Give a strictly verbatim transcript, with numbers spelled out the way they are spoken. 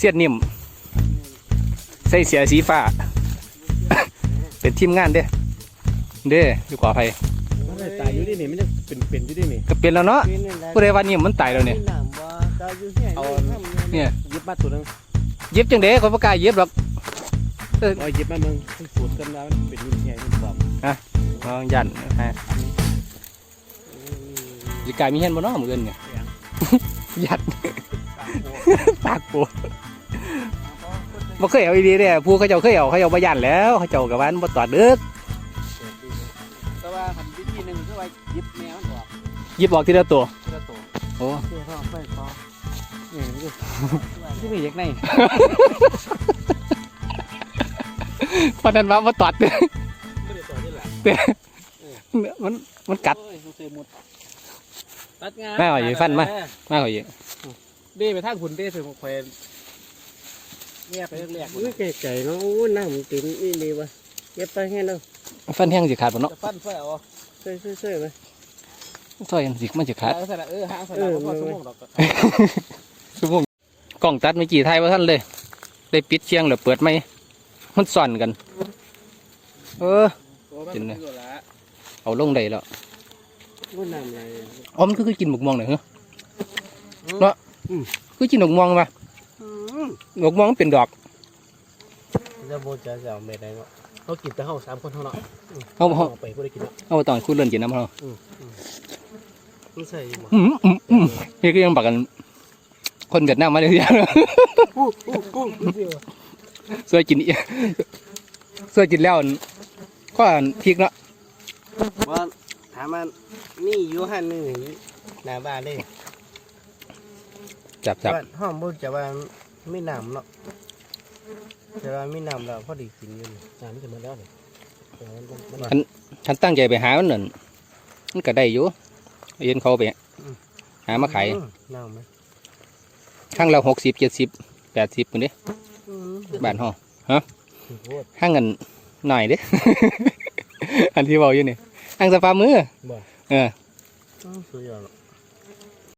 เสียดนิ่มใส่เสียสีฟ้าเป็นทีมงานเด้เด้อยู่กว่าไผตายอยู่ดินี่มันจะเป็นเป็นอยู่ดินี่ก็เป็นแล้วเนาะผู้ใดว่านิ่มมันตายแล้วเนี่ยเอาเนี่ยยิบมาตัวนึงเย็บจังเด้คนประกาศเย็บหรอกเอายิบมามึงสูตรกันแล้วมันเป็นยิ่งใหญ่ยิ่งกว่าฮะลองยันฮะจีกายมีเห็นบ่เนาะมือเงินเนี่ยยัดปากปูบ่เคยเอาดีๆเนี่ยผู้เขาเจ้าเคยเอาเขาเจ้าบ่ยันแล้วเขาเจ้ากับวันบ่ตอดดึกแต่ว่าทำวิธีหนึ่งคือว่ายิบแมวมันออกยิบออกทีละตัวทีละตัวโอ้เสียท้องไปคอเนี่ยนี่ที่มีเด็กในพอนั้นว่าบ่ตอดเด้อเด้อมันมันกัดตัดงานมาหอยฟันมามาหอยเด้ไปทางหุ่นเด้ถึงแขวนแยกไปเรียกอุ้ยไก่ๆเนาะอู้น้ำติ่มนี่ดีวะเย็บไปแค่นั้นฟันแห้งสิขาดบ่เนาะฟันช่วยเอาช่วยช่วยไหมช่วยสิมันสิขาดเออเออหาสนามก็สมองดอกสมองกล่องตัดไม่กี่ไทยว่าท่านเลยได้ปิดเชียงหรือเปิดไหมมันสั่นกันเออกินเลยเอาลงได้แล้วอ๋อมันคือกินหมกม่วงหน่อยเหรอเนาะคือกินหมกม่วงป่ะหมกม่วงเป็นดอกจะโบจะจะไม่ได้เนาะเขากินแต่เขาสามคนเท่านั้นเขาเขาไปก็ได้กินแล้วเขาตอนคุณเล่นกินน้ำเขาไม่ใช่อืมอืมอืมพี่ก็ยังบอกกันคนเวียดนามมาเลยทีเดียวสวยกินอีสวยกินแล้วก็พริกเนาะว่าถามมันนี่อยู่หันนี่หน้าบ้านเลยจับจับห้องบุญจะว่าไม่น้ำเนาะจะว่าไม่น้ำเราพอดีกินอยู่น้ำไม่ถึงมาแล้วเลยฉันฉันตั้งใจไปหามันหนึ่งมันก็ได้อยู่เย็นเขาไปหามาขายน้ำไหมข้างเราหกสิบเจ็ดสิบแปดสิบคนเด้บ้านห้องฮะข้างเงินหน่อยเด้อันที่บอกอยู่นี่ข้างสภามือเออสุดยอด